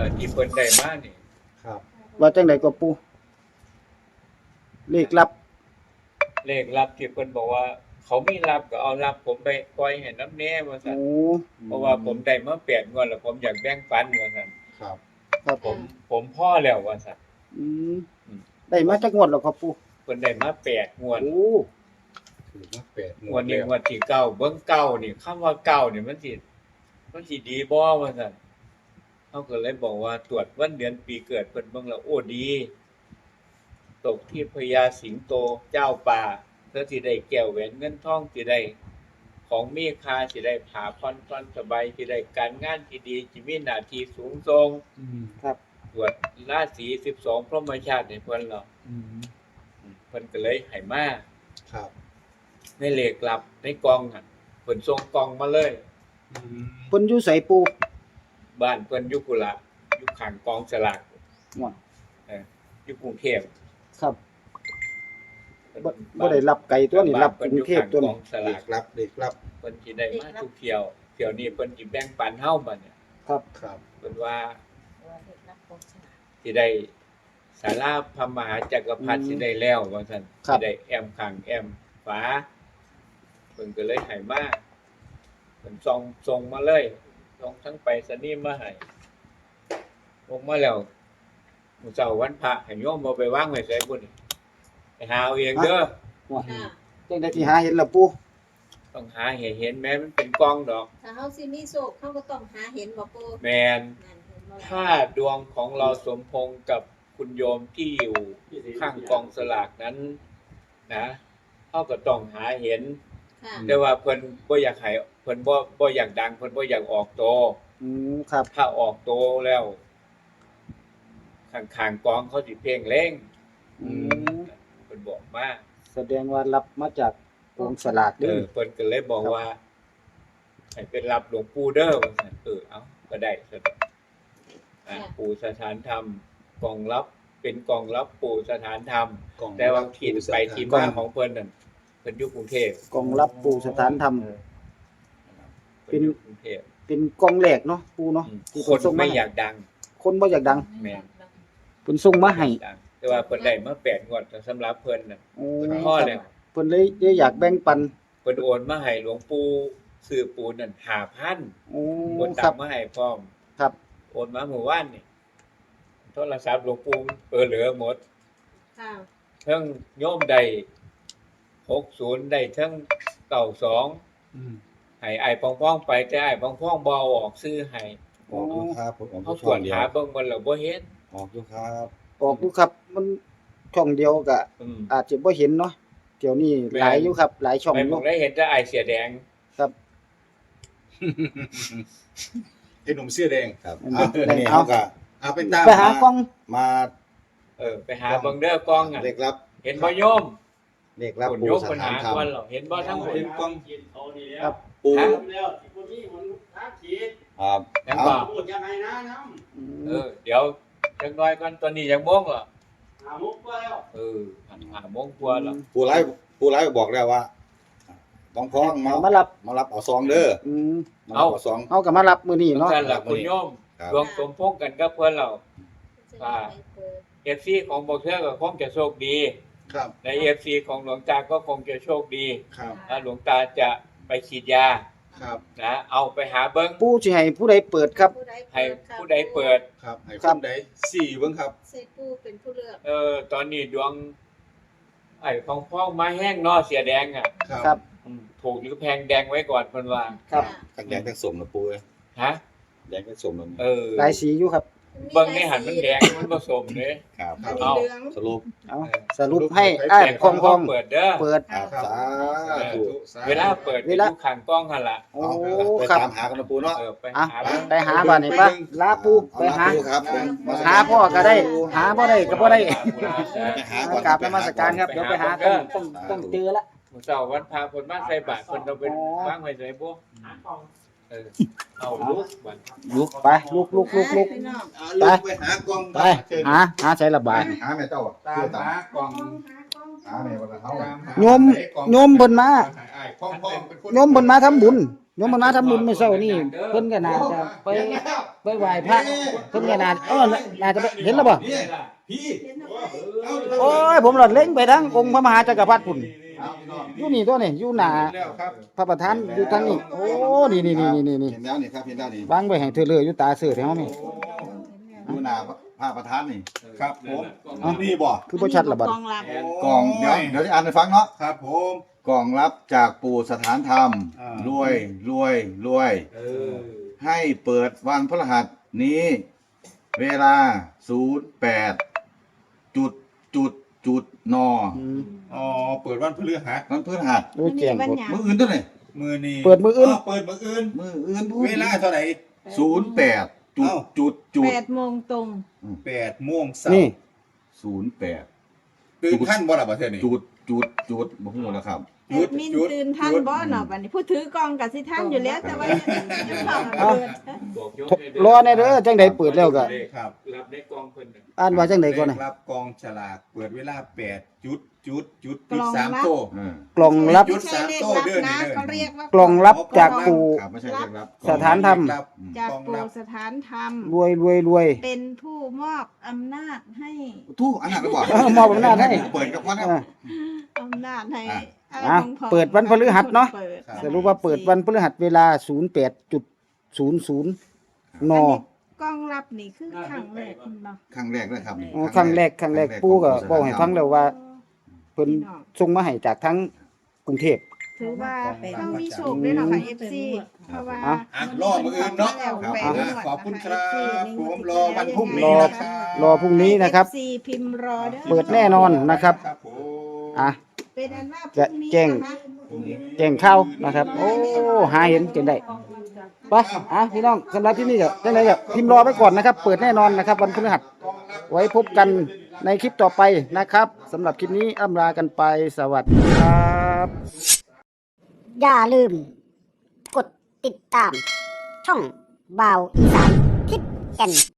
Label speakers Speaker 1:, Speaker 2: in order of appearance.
Speaker 1: ที่เพิ่นได้มานี่
Speaker 2: ครับ
Speaker 3: ว่าจังไดก็ปู่เลขลับ
Speaker 1: เลขลับที่เพิ่นบอกว่า เขามีลับก็เอาลับผมไปปล่อยให้นำแน่ว่าซั่น
Speaker 3: โอ้
Speaker 1: เพราะว่าผมได้มา8งวดแล้วผมอยากแบ่งปันว่าซั่น
Speaker 2: ครับ
Speaker 3: ครับ
Speaker 1: ผมพอแล้วว่าซั่น
Speaker 3: อืมได้มาจักงวดแล้วครับปู่
Speaker 1: เพิ่นได้มา8งวด
Speaker 3: โอ้
Speaker 2: คือมา8
Speaker 1: งวดนี้งวดที่9เบิ่งเก้านี่คำว่าเก้านี่มันสิดีบ่ว่าซั่นเฮาก็เลยบอกว่าตรวจวันเดือนปีเกิดเพิ่นเบิ่งแล้วโอ้ดีตกที่พญาสิงโตเจ้าป่าเพื่อสิได้แก้วแหวนเงินทองสิได้ของมีค่าสิได้ผ้าผ่อนสบายสิได้การงานที่ดีสิมีหน้าที่สูงส่ง
Speaker 3: ครับ
Speaker 1: ตรวจราศี12พรหมชาติให้เพิ่นแล้วเพิ่นก็เลยให้มา
Speaker 2: ครับ
Speaker 1: ในเลขลับในกล่องน่ะเพิ่นส่งกล่องมาเลย
Speaker 3: เพิ่นอยู่ไสปู่
Speaker 1: บ้านเพิ่นอยู่พุ่นล่ะอยู่ข้างกองสลาก
Speaker 3: ว่า
Speaker 1: อยู่กรุงเทพ
Speaker 3: ครับบ่ได้รับไกลตัวนี้รับกรุงเทพตัวนี้
Speaker 2: เด็กรับเด็กรับ
Speaker 1: เพิ่นสิได้มาทุกเที่ยวนี้เพิ่นสิแบ่งปันเฮาบัดเนี่ย
Speaker 3: ครับ
Speaker 2: ครับ
Speaker 1: เพิ่นว่าสิได้ศาลาพระมหาจักรพรรดิสิได้แล้วว่าซั่นสิได้แอมข้างแอมฝาเพิ่นก็เลยให้มาเพิ่นส่งมาเลยส่งทั้งไปรษณีย์มาให้ลงมาแล้วมื้อเช้าวันพระให้โยมเอาไปวางไว้ไสพุ่นไปหาเอาเองเด้อ
Speaker 3: ว่าจังได๋สิหาเห็นล่ะปู่
Speaker 1: ต้องหาให้เห็นแม้มันเป็นกล้องดอก
Speaker 4: ถ้าเฮาสิมีโชคเฮาก็ต้องหาเห็นบ่ปู่
Speaker 1: แม่นถ้าดวงของเราสมพงษ์กับคุณโยมที่อยู่ข้างกองสลากนั้นนะเฮาก็ต้องหาเห็นแต่ว่าเพิ่นบ่อยากให้เพิ่นบ่อยากดังเพิ่นบ่อยากออกโต
Speaker 3: ครับ
Speaker 1: ถ้าออกโตแล้วข้างๆกองเขาสิเพ่งเล็งเพิ่นบอกมา
Speaker 3: แสดงว่ารับมาจากกองสลากเด้อ
Speaker 1: เพิ่นก็เลยบอกว่าให้เป็นรับหลวงปู่เด้อว่าซั่นเอ้าก็ได้ซั่นปู่สถานธรรมกองรับเป็นกองรับปู่สถานธรรมแต่ว่าที่ไปที่มาของเพิ่นนั่นเพิ่นอยู่กรุงเทพ
Speaker 3: กองรับปู่สถานธรรม
Speaker 1: เป็นกรุงเทพ
Speaker 3: เป็นกองแรกเนาะปู่เนาะ
Speaker 1: ที่คนไม่อยากดัง
Speaker 3: คนบ่อยากดัง
Speaker 1: แม่น
Speaker 3: เพิ่นส่งมาให้
Speaker 1: แต่ว่าเพิ่นได้มา8งวดสำหรับเพิ่นน่ะเพิ่นพอแล้ว
Speaker 3: เพิ่นเลยอยากแบ่งปัน
Speaker 1: เพิ่นโอนมาให้หลวงปู่ซื้อปูนนั่น 5,000 โอนตังมาให้พร้อม
Speaker 3: ครับ
Speaker 1: โอนมาเมื่อวานนี่โทรศัพท์หลวงปู่เหลือหมด
Speaker 4: ค่ะ
Speaker 1: ทั้งโยมได้60ได้ทั้ง92ให้อ้ายป้องๆไปแต่อ้ายป้องๆบ่เอาออกซื้อให้
Speaker 2: ออกอยู่ครับผม
Speaker 1: เขาตรวจหาเบิ่งมันแล้วบ่เห็น
Speaker 2: ออกอยู่ครับ
Speaker 3: ออกอยู่ครับมันช่องเดียวก็อาจจะบ่เห็นเนาะเดี๋ยวนี้หลายอยู่ครับหลายช่อง
Speaker 1: อยู่ได้เห็นแต่อ้ายเสียแดง
Speaker 3: ครับ
Speaker 2: ไอ้หนุ่มเสื้อแดงครับนี่เฮาก็เอาไปตาม
Speaker 3: ไปหากล้อง
Speaker 2: มา
Speaker 1: ไปหาเบิ่งเด้อกล้องอ่ะ
Speaker 2: เลขลับ
Speaker 1: เห็นบ่โยม
Speaker 2: เลขลับปู่สถานธรรม
Speaker 1: เห็นบ่ทั้งหมด
Speaker 2: เห็นกล้อง
Speaker 3: ครับ
Speaker 2: ปู่
Speaker 5: แล้วที่บ่มีมันท้าขีด
Speaker 2: ครับ
Speaker 1: เอา
Speaker 5: พูดยังไงนะน้
Speaker 1: ำเดี๋ยวจักหน่อยก่อนตอนนี้ยังโมงเหรอ
Speaker 5: 5 โมงกว่าแล้ว
Speaker 1: 5 โมงกว่าแล้ว
Speaker 2: ปู่ไลฟ์บอกแล้วว่าพ้องมารับเอาซองเด้อ
Speaker 1: เอา
Speaker 2: ซอง
Speaker 3: เฮาก็มารับมื้อนี้เนาะ
Speaker 1: นั่นล่ะคุณโยมดวงสมพงษ์กันกับเพิ่นเราFC ของบ่เทื่อก็คงจะโชคดี
Speaker 2: ครับ
Speaker 1: ใน FC ของหลวงตาก็คงจะโชคดี
Speaker 2: ครับ
Speaker 1: หลวงตาจะไปฉีดยา
Speaker 2: ครับ
Speaker 1: นะเอาไปหาเบิ่ง
Speaker 3: ปู่สิให้ผู้ใดเปิดครับ
Speaker 1: ให้ผู้ใดเปิด
Speaker 2: ครับให้คนใด4เบิ่งครับ
Speaker 4: สิปู่เป็นผู้เลือก
Speaker 1: ตอนนี้ดวงไอ้พ้องมาแห้งเนาะเสียแดงอ่ะ
Speaker 3: ครับ
Speaker 1: ถูกหรือแพงแดงไว้ก่อนเพิ่นว่า
Speaker 3: ครับ
Speaker 2: ทั้งแดงทั้งส้มนะปู่เอ้ย
Speaker 1: ฮะ
Speaker 2: แดงทั้งส้มนั่น
Speaker 3: หลายสีอยู่ครับ
Speaker 1: เบิ่งในหันมันแดงมันผสมเด้
Speaker 2: ครับ
Speaker 1: เอา
Speaker 3: สรุปให้อ้ายพอง
Speaker 1: เปิดเด้อ
Speaker 3: เปิด
Speaker 2: สาธุ
Speaker 1: เวลาเปิดอยู่ข้างกล้องหั่นล่ะ
Speaker 3: โอ้
Speaker 2: ไปตามหากันนะปู่เนาะ
Speaker 3: ไปหาบ้านนี่ป่ะลาปู่ไปหาหาพ่อก็ได้หาบ่ได้ก็บ่ได้
Speaker 2: ไปหาก่อน
Speaker 3: กราบนมัสการครับเดี๋ยวไปหาต้องเจอละ
Speaker 1: มื้อเช้าวันพระเพิ่นมาใส่บาตรเพิ่นเอาไปวางไว้ไสบ่เอาลุก
Speaker 3: ไปลุก
Speaker 2: ไปหากล้อง
Speaker 3: ไปหาใช้ระบาย
Speaker 2: หาแม่เจ้า
Speaker 5: ตามหากล้อง
Speaker 2: หาแม่ว่าเฮา
Speaker 3: โยมเพิ่นมาโยมเพิ่นมาทำบุญโยมมาทำบุญมื้อเช้านี่เพิ่นก็น่าจะไปไหว้พระเพิ่นก็น่าน่าจะไปเห็นแล้วบ่
Speaker 2: นี่พี่
Speaker 4: เห็นเอาไว้
Speaker 3: โอ้ยผมหลอดเล็งไปทางองค์พระมหาจักรพรรดิพุ่น
Speaker 2: เอาพี่น้อง
Speaker 3: อยู่นี่ตัวนี่อยู่หน้า
Speaker 5: แล้วครับ
Speaker 3: พระประธานอยู่ทางนี้โอ้นี่
Speaker 2: เห็นแล้วนี่ครับเห็นแล้วนี่
Speaker 3: วางไว้ให้เธอเลยอยู่ตาเสือแถวนี่
Speaker 2: ดูหน้าพระประธานนี่
Speaker 5: ครับผม
Speaker 2: นี่บ่
Speaker 3: คือบ่ชัดละบัด
Speaker 4: กองลับ
Speaker 2: กล่องเดี๋ยวจะอ่านให้ฟังเนาะ
Speaker 5: ครับผม
Speaker 2: กล่องรับจากปู่สถานธรรม
Speaker 5: อ่าร
Speaker 2: วยรวย ให้เปิดวันพฤหัสนี้ เวลา 08น
Speaker 3: อืม
Speaker 5: อ๋อเปิดวันพฤหัส
Speaker 2: วันพฤหัส
Speaker 3: โอ้ยแจ้งกด
Speaker 2: มื้ออื่นเท่าไหร่
Speaker 5: มือนี้
Speaker 3: เปิดมื้ออื่น
Speaker 5: เปิดมืออื่น
Speaker 2: มื้ออื่นพูด
Speaker 5: เวลาเท่าไหร่
Speaker 2: 08
Speaker 4: 8:00 นตรง
Speaker 5: 8 โมงเช้า
Speaker 3: นี่
Speaker 2: 08
Speaker 5: ตื่นท่านบ่ล่ะประเทศนี้
Speaker 2: บ่ฮู้แล้วครับ
Speaker 4: แอดมินตื่นทันบ่เนาะบัดนี้ผู้ถือกองก็สิทันอยู่แล้วแต่ว่ายังเข้ามาเปิด
Speaker 1: บอกยกให้
Speaker 3: รอแน่เด้อจังได๋เปิดแล้วก็
Speaker 5: ครับ
Speaker 1: รับในกองเพิ่นน่ะ
Speaker 3: อ่านว่าจังได๋ก่อนน่ะ
Speaker 5: รับกองฉลากเปิดเวลา8 3 โต
Speaker 3: กล่องรับ
Speaker 5: จุด
Speaker 4: ไม่ใช่เลขลับนะเขาเรียกว่าก
Speaker 3: ล่องรับจากปู่
Speaker 2: ครับไม่ใช่เรื่องลับ
Speaker 3: สถานธรรม
Speaker 4: จาก
Speaker 5: กอง
Speaker 4: ปู่
Speaker 5: รับ
Speaker 4: สถานธรรม
Speaker 3: รวย
Speaker 4: เป็นผู้มอบอำนาจให้
Speaker 2: ทู่อันนั้นก็บอก
Speaker 3: มอบอำนาจให้
Speaker 2: เปิดกับพ่อนะ
Speaker 3: อ่า
Speaker 4: อำนาจให้
Speaker 2: อ่ะ
Speaker 4: อะไร
Speaker 3: อ่ะ
Speaker 4: ของพ่อ
Speaker 3: เปิดวันพฤหัสเนาะ
Speaker 4: ปิด
Speaker 3: สรุปว่าเปิดวันพฤหัสเวลา 08:00 น
Speaker 4: อันนี้กองรับนี่คือครั้งแรกเนาะ
Speaker 2: ครั้งแรกเลยครับ
Speaker 3: อ๋อครั้งแรกปู่ก็บอกให้ฟังแล้วว่าเพิ่นส่งมาให้จากทั้งกรุงเทพ
Speaker 4: ถือว่าเขามีโชคด้วยเนาะค่ะ FC เพราะว่า
Speaker 3: อ่ะ
Speaker 5: อ่ะรอมืออื่นเนาะ
Speaker 4: แล้ว
Speaker 5: ครับ
Speaker 4: แปดงวด
Speaker 5: ขอบคุณครับ
Speaker 4: นะคะ FC
Speaker 5: ผมรอวันพรุ่ง
Speaker 3: ร
Speaker 5: นี้
Speaker 3: อ
Speaker 5: นะครับ
Speaker 3: รอพรุ่งนี้นะครับ
Speaker 4: FC พิมพ์รอเด้อ
Speaker 3: เปิดแน่นอนนะครับ
Speaker 5: ครับผม
Speaker 3: อ่ะ
Speaker 4: เป็นอันว่า
Speaker 3: จะแจ้ง แจ้งข่าวนะครับ โอ้หาเห็นจนได้ไปอ่ะพี่น้องสำหรับที่นี่ก็จังไดก็พิมพ์รอไว้ก่อนนะครับ เปิดแน่นอนนะครับ วันพฤหัสไว้พบกันในคลิปต่อไปนะครับสำหรับคลิปนี้อำลากันไปสวัสดีครับ
Speaker 6: อย่าลืม กดติดตาม ช่องบ่าวอีสานทิศแก่น